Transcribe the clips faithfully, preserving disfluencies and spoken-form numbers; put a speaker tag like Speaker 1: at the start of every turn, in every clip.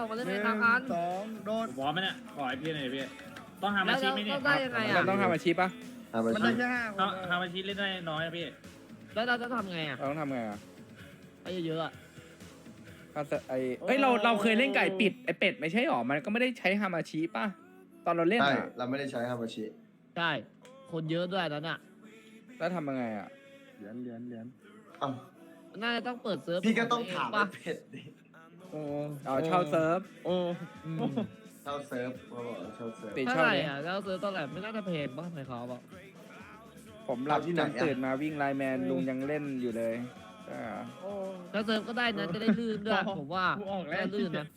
Speaker 1: อกมาเล่น
Speaker 2: ห
Speaker 1: ใน
Speaker 2: นึ่ง
Speaker 1: ทางการ
Speaker 2: สองโดด
Speaker 3: ผมพร้อมไหมเนี่ยขอให้พี่หน่อยพี่ต้องทำ
Speaker 1: แล้
Speaker 3: อาว ชีพไหม
Speaker 1: เรา
Speaker 3: เนี่ย
Speaker 1: ได้ยังไง
Speaker 4: เรา
Speaker 1: อ่ะ
Speaker 4: ต้องทำอาชีพปะ
Speaker 5: ทำไป
Speaker 2: มัน
Speaker 5: สิ
Speaker 2: ได้แค่ห้าคน
Speaker 3: ต้อง
Speaker 2: นะ
Speaker 3: ทำอาชีพเล่นได้น้อยนะพี่
Speaker 1: แล้วเราจะทำไงอ่ะ
Speaker 4: เราต้องทำไงอ่ะ
Speaker 1: ไปเยอะๆอ่ะ
Speaker 4: ถ้าเสไอเอ้ยเราเราเคยเล่นไก่ปิดไอเป็ดไม่ใช่หรอมันก็ไม่ได้ใช้ฮามาชิปะตอนเราเล่น
Speaker 5: ใช่
Speaker 4: อ่ะ
Speaker 5: เราไม่ได้ใช้ฮามาชิ
Speaker 1: ใช่คนเยอะด้วยตอนน่ะ
Speaker 4: แล้วทำยังไงอ่ะ
Speaker 2: เหรียญเหรียญเหรียญ
Speaker 5: อ้าว
Speaker 1: น่าจะต้องเปิดเซิร์ฟ
Speaker 5: พี่ก็ต้องถาม
Speaker 1: ป่ะ
Speaker 5: ไอ้เผ็ดดิ
Speaker 2: โอ้
Speaker 4: เอาเช่าเซิร์ฟ
Speaker 2: โอ้
Speaker 1: อืม
Speaker 5: เช่าเซิร์ฟเขาบอกว่าเช่าเซิร์ฟ
Speaker 4: ติด
Speaker 1: เท่า
Speaker 4: เช่า
Speaker 1: ไหร่
Speaker 4: เลย
Speaker 1: อ่ะแล้วเซิร์ฟตอนแรกไม่น่าจะเพจป่ะไหนเขาบอก
Speaker 4: ผมหลับจนตื่นมาวิ่งไลน์แมนลุงยังเล่นอยู่เลยใช่เหรอ
Speaker 2: โอ้
Speaker 1: แล้วเซิร์ฟก็ได้นะจะได้ลื่นด้วยผมว่า
Speaker 2: กูออกแล้ว
Speaker 1: น่าลื่นนะ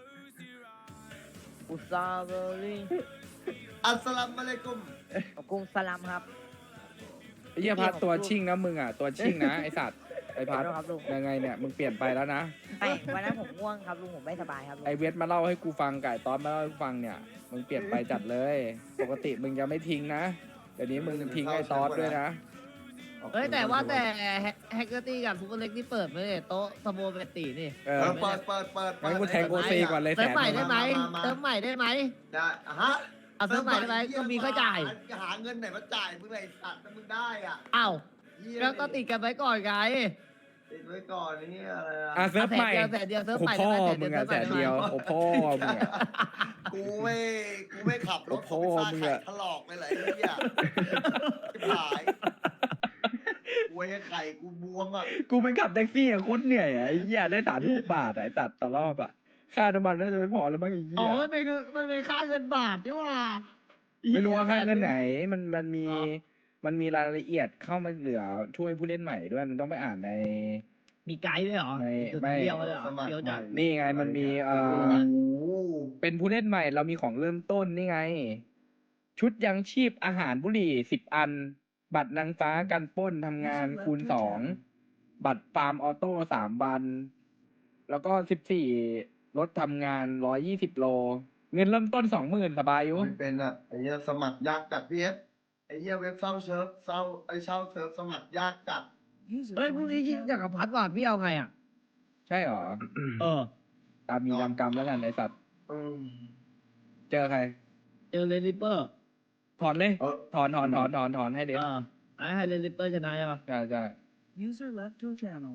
Speaker 1: อุซาเบอรี่
Speaker 5: อัสสลามุอะลัยกุม
Speaker 6: กรุงสลัมครับ
Speaker 4: ไอ้เหี้ยพัดตัวชิ่งนะมึงอ่ะตัวชิ่งนะไอสัตว์ไอพัด
Speaker 6: ขอโทษครับลุง
Speaker 4: ยังไงเนี่ยมึงเปลี่ยนไปแล้วนะ
Speaker 6: ไม่วันนั้นผมง่วงครับลุงผมไม่สบายครับลุง
Speaker 4: ไอเวทมาเล่าให้กูฟังไก่ตอนมาเล่าให้กูฟังเนี่ยมึงเปลี่ยนไปจัดเลย ปกติมึงจะไม่ทิ้งนะเดี๋ยวนี้มึงทิ้งไอ้ตอสด้วยนะ
Speaker 1: เฮ้ยแต่ว่าแต่แฮกเกอร์ตี้กับซูเปอร์เล็กที่เปิดไม่ได้โต๊ะสโมเบตตีนี่
Speaker 4: เอ
Speaker 5: เอ
Speaker 4: อ
Speaker 5: อเปิดเปิดเปิด
Speaker 4: งั้นกูแทงโอซีก่อนเลย
Speaker 1: เติ
Speaker 4: แส
Speaker 1: ม
Speaker 4: น
Speaker 1: ใหม่ได้ไหม
Speaker 5: มามา
Speaker 1: เติมใหม่ได้ไหม
Speaker 5: ได้อะฮะ
Speaker 1: เอาเติมใหม่ได้ไหมก็มีค่าจ่าย
Speaker 5: หาเงินไหนมาจ่ายมึงเลยไอ้สัตว์ถ้ามึงได้อ่ะ
Speaker 1: อ้าว
Speaker 5: เหี้ย
Speaker 1: แล้วก็ติดกันไว้ก่อนไง
Speaker 5: ติดไว้ก่อนนี่อะไร
Speaker 4: อ่ะ
Speaker 5: อ่ะ
Speaker 4: เซิร์ฟใหม่
Speaker 1: แสนเดียวแสนเดียวเซิร์ฟ
Speaker 4: โอ้
Speaker 1: ใหม่
Speaker 4: พ่อ
Speaker 1: ได้ไหม
Speaker 4: มึงอะแสนเดียวโอ้พ่อมึงอะ
Speaker 5: กูไม่กูไม่ขับรถ
Speaker 4: โอ้
Speaker 5: ของ
Speaker 4: โห
Speaker 5: ฟ้า
Speaker 4: มึง
Speaker 5: ไข่
Speaker 4: อะ
Speaker 5: ถลอกเลยเหรอไอ้เหี้ยชิบหายกูไอ้ไข่กูบวมอ่ะ
Speaker 4: กูไปขับแท็กซี่อะโคตรเหนื่อยอะไอ้เหี้ยได้สามสิบบาทอะไอ้ตัดต่อรอบอะค่าน้ำมันน่าจะไม่พอแล้วมั้งไอ้เหี้
Speaker 1: อ๋อย มันเป็นมันเป็นค่าเงินบาทนี่หว่า
Speaker 4: ไม่รู้ว่าค่าเงินไหนมันมันมีมันมีรายละเอียดเข้ามาเหลือช่วยผู้เล่นใหม่ด้วยมันต้องไปอ่านใน
Speaker 1: มีไกด์ด้วยเหรอ
Speaker 4: ไม่ไม่
Speaker 1: เดียวเลยเหรอ
Speaker 5: สมัคร
Speaker 1: เดียวจัด
Speaker 4: นี่ไงมันมีเอ่
Speaker 5: โอ้
Speaker 4: อ
Speaker 5: โห
Speaker 4: เป็นผู้เล่นใหม่เรามีของเริ่มต้นนี่ไง ชุดยังชีพอาหารบุหรี่สิบอัน บัตรนางฟ้ากันปล้นทำงานคูณสองบัตรฟาร์มออโต้สามวัน แล้วก็สิบสี่รถทำงานร้อยยี่สิบโล เงินเริ่มต้นสองหมื่นสบายอยู่
Speaker 5: ไม่เป็นอ่ะไอ้เหี้ยสมัครยากจัดพี่เอฟไอ้เหี้ยเว็บเช่าเซิร์ฟเช่าไอ้เช่าเซิร์ฟสมัครยากจัด
Speaker 1: เฮ้ยพรุ่งนี้ยิงจากกับพัดว่ะพี่เอาไงอ่ะ
Speaker 4: ใช่เหรอ
Speaker 1: เออ
Speaker 4: ตามมีตามกรรมแล้วกันไอสัตว์
Speaker 5: อืม
Speaker 4: เจอใคร
Speaker 1: เจอเลนลิปเปอร์
Speaker 4: ถอนเลย
Speaker 5: เออ
Speaker 4: ถอนถอนถอนถอนถอนให้เด็ก
Speaker 1: เออไอ้ให้เลนลิปเปอร์ชนะใช่ปะ
Speaker 4: ใช่ใช่
Speaker 2: user left your channel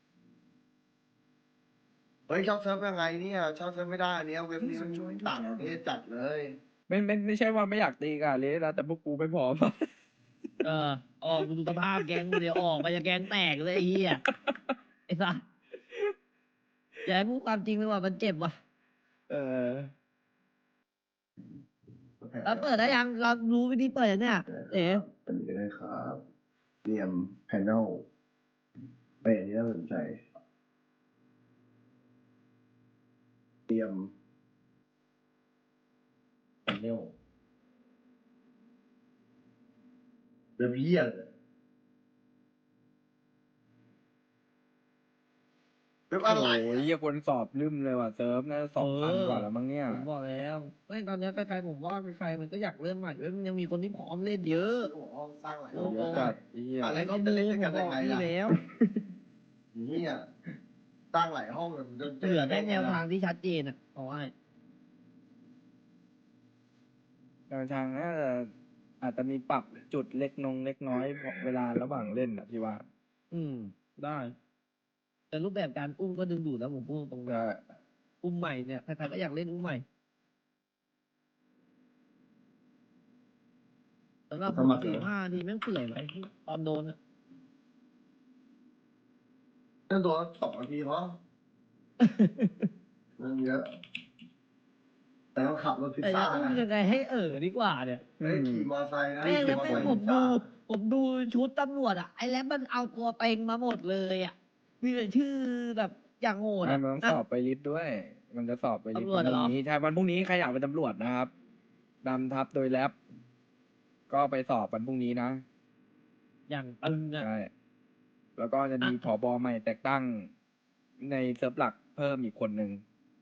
Speaker 5: เฮ้ยเช่าเซิร์ฟยังไงเนี่ยเช่าเซิร์ฟไม่ได้อันเนี้ยเว็บนี้มันต่างประเทศจัดเลย
Speaker 4: ไม่ไม่ไม่ใช่ว่าไม่อยากตีกันเลยนะแต่พวกกูไม่พร้อม
Speaker 1: เออออกดูสภาพแก๊งกูเดี๋ยวออกไปจะแก๊งแตกเลยไอ้เหี้ยไอ้สัสอย่าให้พูดความจริงเลยว่ามันเจ็บว่ะ
Speaker 4: เออ
Speaker 1: แล้วเปิดได้ยังเรารู้วิธีเปิดยังเนี่ยเอ๋
Speaker 5: อันนี้ได้ครับเตรียมแพนเนลไปอันนี้น่าสนใจเตรียมแพนเนลเรียบเยี่ยนเว็บอะไร
Speaker 4: โอ้ยเหี้ยคนสอบลืมเลยว่ะเซิร์ฟน่าจะสองพันกว่าแล้วมั้งเนี่ย
Speaker 1: ผมบอกแล้วเฮ้ยตอนนี้ใครๆผมว่าใครๆมันก็อยากเริ่มใหม่เว้ยมันยังมีคนที่พร้อมเล่นเยอะ
Speaker 5: โอ้โหสร้างหลาย
Speaker 1: โอ้
Speaker 5: ห้อง
Speaker 1: โห
Speaker 4: เยอะจัดไอ้เหี้ย
Speaker 5: อะไร
Speaker 1: แล้วก็
Speaker 5: ก็
Speaker 1: มู
Speaker 5: เล่น
Speaker 1: ผ
Speaker 5: กัน
Speaker 1: มบ
Speaker 5: ยั
Speaker 1: อง ก
Speaker 5: ไง
Speaker 1: นี่
Speaker 5: ล่ะ
Speaker 1: แล้ว
Speaker 5: เนี่ยสร้างหลายห้องเลยมันจะ
Speaker 1: เหลือได้แนวทางที่ชัดเจนอ่ะบอกให้
Speaker 4: แนวทางน่าจะอาจจะมีปรับจุดเล็กนงเล็กน้อยเวลาระหว่างเล่นอ่ะพี่ว่า
Speaker 1: อืมได้ แต่รูปแบบการอุ้มก็ดึงดูดแล้วผมพูดตรงๆ
Speaker 4: ก็
Speaker 1: อุ้มใหม่เนี่ยใครๆก็อยากเล่นอุ้มใหม่สำหรับผมสี่ห้าทีแม่งเปื่อยไปตอนโดนอะ
Speaker 5: เล่นตัวสองนาทีเพราะเรื่องเยอะ แต่ต้องขับรถพิซ
Speaker 1: แต่
Speaker 5: ซ่า
Speaker 1: จะอุ้ม
Speaker 5: นะ
Speaker 1: ยังไงให้เออดีกว่าเนี่ย
Speaker 5: เฮ้ยขี่มอไซค์นะ
Speaker 1: แม่งแล้ว
Speaker 5: ขี่
Speaker 1: แม่ง
Speaker 5: อ
Speaker 1: ผม
Speaker 5: ไซ
Speaker 1: ดู
Speaker 5: ค์
Speaker 1: ผมดูชุดตำรวจอ่ะไอ้แล้วมันเอาตัวเต็งมาหมดเลยอ่ะมีแต่ชื่อแบบอย่างโหด
Speaker 4: ไม่
Speaker 1: อ่ะ
Speaker 4: มันต้องสอบไปลิสต์ด้วย มันจะสอบไปลิสต์
Speaker 1: ตำรวจ
Speaker 4: วัน
Speaker 1: เหรอ
Speaker 4: นี้ใช่วันพรุ่งนี้ใครอยากเป็นตำรวจนะครับนำทัพโดยแรปก็ไปสอบวันพรุ่งนี้นะ
Speaker 1: อย่างตึงอ่ะ
Speaker 4: ใช่ แล้วก็จะมี
Speaker 1: อ่ะ
Speaker 4: ผบใหม่แต่งตั้งในเซิร์ฟหลักเพิ่มอีกคนหนึ่ง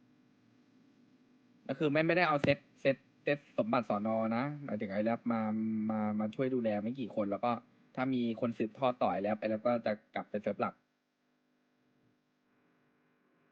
Speaker 4: ก็คือไม่ไม่ได้เอาเซตเซตเซตสมบัติสอนอนะหมายถึงไอ้แรปมามามาช่วยดูแลไม่กี่คน แล้วก็ถ้ามีคนสืบทอดต่อยแล้วไปแล้วก็จะกลับไปเซิร์ฟหลัก
Speaker 1: อ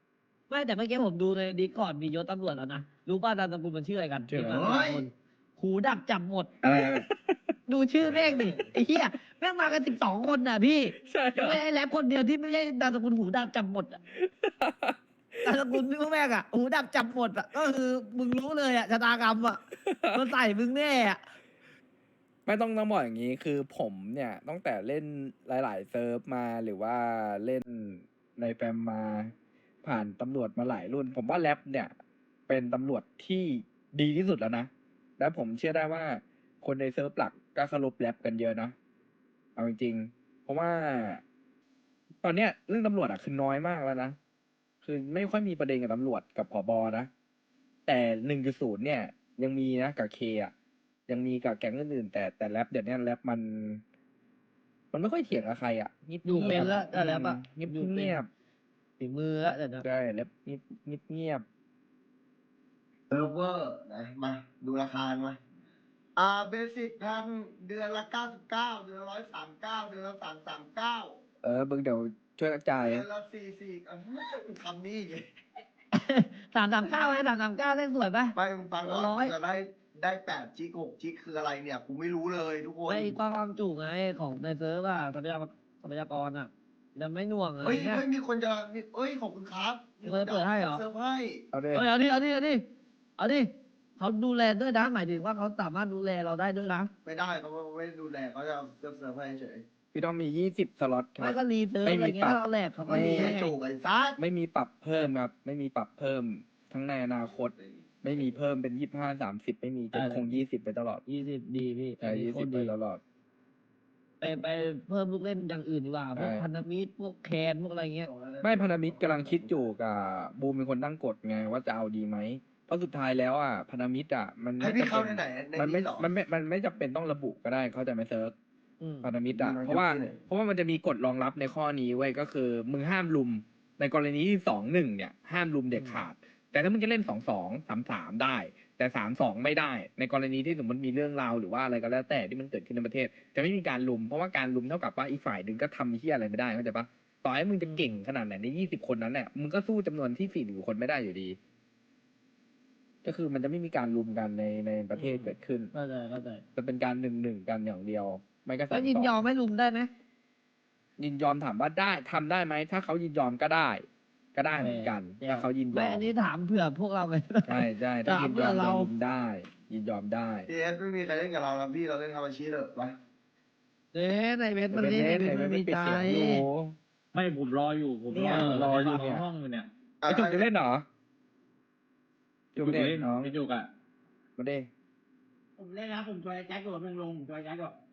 Speaker 1: ไม่แต่เมื่อกี้ผมดูในดีก่อนมียศตำรวจแล้วนะรู้ป่ะนามสกุลมันชื่ออะไรกัน
Speaker 4: ชื่ออะไร
Speaker 1: มีมาสองคนหูดับจับหมด
Speaker 4: อะไร
Speaker 1: ดูชื่อแม่งดิไอ้เหี้ยแม่งมากันสิบสองคนน่ะพี่
Speaker 4: ใช่เหรอ
Speaker 1: ไม่ใช่แรปคนเดียวที่ไม่ใช่นามสกุลหูดับจับหมดอะนามสกุลพี่พวกแม่งอะหูดับจับหมดอะก็คือมึงรู้เลยอะชะตากรรมอะมันใส่มึงแน่อะ
Speaker 4: ไม่ต้องต้องบอกอย่างนี้คือผมเนี่ยตั้งแต่เล่นหลาย ๆ เซิร์ฟมาหรือว่าเล่นในแฟมมาผ่านตำรวจมาหลายรุ่น ผมว่าแรปเนี่ย เป็นตำรวจที่ดีที่สุดแล้วนะ และผมเชื่อได้ว่าคนในเซิร์ฟหลักก็เคารพแรปกันเยอะนะเอาจริงๆเพราะว่า ตอนเนี้ยเรื่องตำรวจอ่ะคือน้อยมากแล้วนะ คือไม่ค่อยมีประเด็นกับตำรวจกับผบนะ แต่หนึ่งจุดศูนย์เนี่ย ยังมีนะกับเคอ่ะ ยังมีกับแก๊งอื่นๆแต่แต่แรปเดี๋ยวนี้แรปมัน มันไม่ค่อยเถียงกับใครอ่ะเงียบๆ
Speaker 1: อยู่เป็นแล้วแต่แรปอะ
Speaker 4: เงียบ
Speaker 1: อยู่เป็น
Speaker 4: เงียบ
Speaker 1: ฝีมืออะเดี๋ยวนะ
Speaker 4: ๆใช่แรปเงียบเงียบเงียบ
Speaker 5: เซิร์ฟเวอร์ไหนมาดูราคามาอ่าเบสิกพันเดือนละเก้าสิบเก้าเดือนละร้อยสามเก้าเดือนละสามสามเก้า
Speaker 4: เออมึงเดี๋ยวช่วยกระจาย
Speaker 5: เดือนละสี่สี่อ่ะทำนี่ไง
Speaker 1: สามสามเก้าไหมสามสามเก้าได้สวยปะ
Speaker 5: ไปมึงฟังก่อน
Speaker 1: ร้อย
Speaker 5: จะได้ได้แปดจิกหกจิกคืออะไรเนี่ยกูไม่รู้เลยทุกคน
Speaker 1: ไม่ความจุไงของในเซิร์ฟอะทรัพยากรทรัพยากรอะแต่ไม่หน่วงอะ
Speaker 5: เฮ้ย
Speaker 1: เนี่ย
Speaker 5: เฮ้ยมีคนจะมีเอ้ยขอบคุณครับมีคนจะ
Speaker 1: เปิดให้เหรอ
Speaker 5: เซิร์ฟให้
Speaker 4: เอาดิ
Speaker 1: เอ้ยเอาดิเอาดิเอาดิเอาดิเขาดูแลด้วยนะหมายถึงว่าเขาสามารถดูแลเราได้ด้วยนะ
Speaker 5: ไม่ได้เขาไม่ดูแลเขาจะเซิร์ฟเซิร์ฟให้เฉย
Speaker 4: พี่ต้องมียี่สิบสล็อตครั
Speaker 1: ไม่
Speaker 4: บ
Speaker 1: ก็รีเซิร์ฟ
Speaker 4: ไม่
Speaker 1: อะไร
Speaker 4: มี
Speaker 1: เงี้
Speaker 4: ปรั
Speaker 1: ย
Speaker 4: บ
Speaker 1: ถ้าเราแหลกเขาก็
Speaker 5: ไม่
Speaker 1: รี
Speaker 5: มี
Speaker 1: ให้
Speaker 5: จูกไอ้ซัด
Speaker 4: ไม่มีปรับเพิ่มครับ ไม่มีปรับเพิ่ม ทั้งในอนาคต ไม่มีเพิ่มเป็นยี่ห้าสามสิบไม่มีจะคงยี่สิบไปตลอด
Speaker 1: ยี่สิบดีพี่
Speaker 4: ใช่
Speaker 1: อันนี้
Speaker 4: ยี่
Speaker 1: โค
Speaker 4: สิ
Speaker 1: ต
Speaker 4: บ
Speaker 1: ร
Speaker 4: ไป
Speaker 1: ดี
Speaker 4: ตลอด
Speaker 1: ไปไปเพิ่มลูกเล่นอย่างอื่นดีกว่าพวก
Speaker 4: ใช่
Speaker 1: พันธมิตรพวกแคนพวกอะไรเงี้ย
Speaker 4: ไม่พันธมิตรกำลังคิดอยู่กับบูมเป็นคนตั้งกฎไงว่าจะเอาดีไหมเพราะสุดท้ายแล้วอ่ะพันธมิตรอ่ะมัน
Speaker 5: ให้
Speaker 4: ไม่
Speaker 5: พี่
Speaker 4: จำ
Speaker 5: เข้า
Speaker 4: เป็น
Speaker 5: ในไหนใน
Speaker 4: มันไม่
Speaker 5: นี้เหรอ
Speaker 4: มันไม่มันไม่จำเป็นต้องระบุก็ได้เขาใจะไม่เซิร์ฟ
Speaker 1: อืม
Speaker 4: พันธมิตรอ่ะ
Speaker 5: อืม
Speaker 4: เพราะว่า
Speaker 5: ที่ไหน
Speaker 4: เพราะว่ามันจะมีกฎรองรับในข้อนี้ไว้ยก็คือมึงห้ามลุมในกรณีที่สองหนึ่งเนี่ยห้ามลุมเด็ดขาด แต่ถ้ามึงจะเล่นสองสองสามสามได้ แต่สามสองไม่ได้ ในกรณีที่สมมติมีเรื่องราวหรือว่าอะไรก็แล้วแต่ที่มันเกิดขึ้นในประเทศ จะไม่มีการลุมเพราะว่าการลุมเท่ากับว่าอีกฝ่ายหนึ่งก็ทำเหี้ยอะไรไม่ได้เข้าใจปะต่อให้มึงจะเก่งขนาดไหนในยี่สิบคนนั้นแหละมึงก็สู้จำนวนที่สี่สิบคนไม่ได้อยู่ดี ก็คือมันจะไม่มีการลุมกันในในประเทศเกิดขึ้น
Speaker 1: เข้าใจเข้าใจ
Speaker 4: จะเป็นการหนึ่งหนึ่งกันอย่างเดียว ไม่ก็สา
Speaker 1: แล้
Speaker 4: ม
Speaker 1: วยิน
Speaker 4: สอง
Speaker 1: ยอมไม่ลุมได้ไหม
Speaker 4: ยินยอมถามว่าได้ทำได้ไหมถ้าเขายินยอมก็ได้ ก็ได้เหมือนกันถ้าเขายินย
Speaker 1: ไม่
Speaker 4: อม
Speaker 1: อันนี้ถามเผื่อพวกเราไง
Speaker 4: ใช่ใช่ถ้ายินยอม
Speaker 1: ถามเพื่อเรา
Speaker 4: เรายินได้ ยินยอมได้
Speaker 5: พีเอสไม่มีใครเล่นกับเราแล้วพี่เราเล่นคาราชิเถอะไป
Speaker 1: เอ๊ะในเว็บมัน
Speaker 4: เป็น
Speaker 1: นี่
Speaker 4: เล่น
Speaker 1: ใน
Speaker 4: ไหน
Speaker 1: เว็บ
Speaker 4: ไม่
Speaker 1: มันมี
Speaker 4: ปิด
Speaker 1: ใจ
Speaker 4: เสียงอยู่
Speaker 3: ไม่ผมรออยู่ผม
Speaker 1: เนี่ย
Speaker 3: รอ
Speaker 4: รออยู่เนี่ย
Speaker 3: ห้องอยู่เนี่ย
Speaker 4: ไอจุกจะเล่นเหรอจุ
Speaker 3: จุ
Speaker 4: ก
Speaker 3: ก
Speaker 4: เล่น
Speaker 3: เล่น
Speaker 4: น้อง
Speaker 3: พี่จุกอ่ะ
Speaker 4: มาเด้
Speaker 1: ผมเล่นนะผมจอยแจ็คก่อนผมลงผมจอยแจ็คก่อน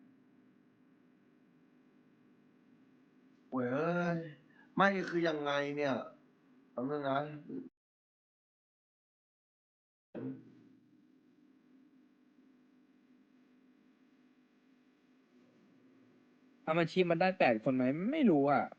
Speaker 5: เว้ยไม่คือยังไงเนี่ยทำเรื่องนั้น
Speaker 4: ทำอาชีพมันได้แปดคนไหมไม่รู้อ่ะ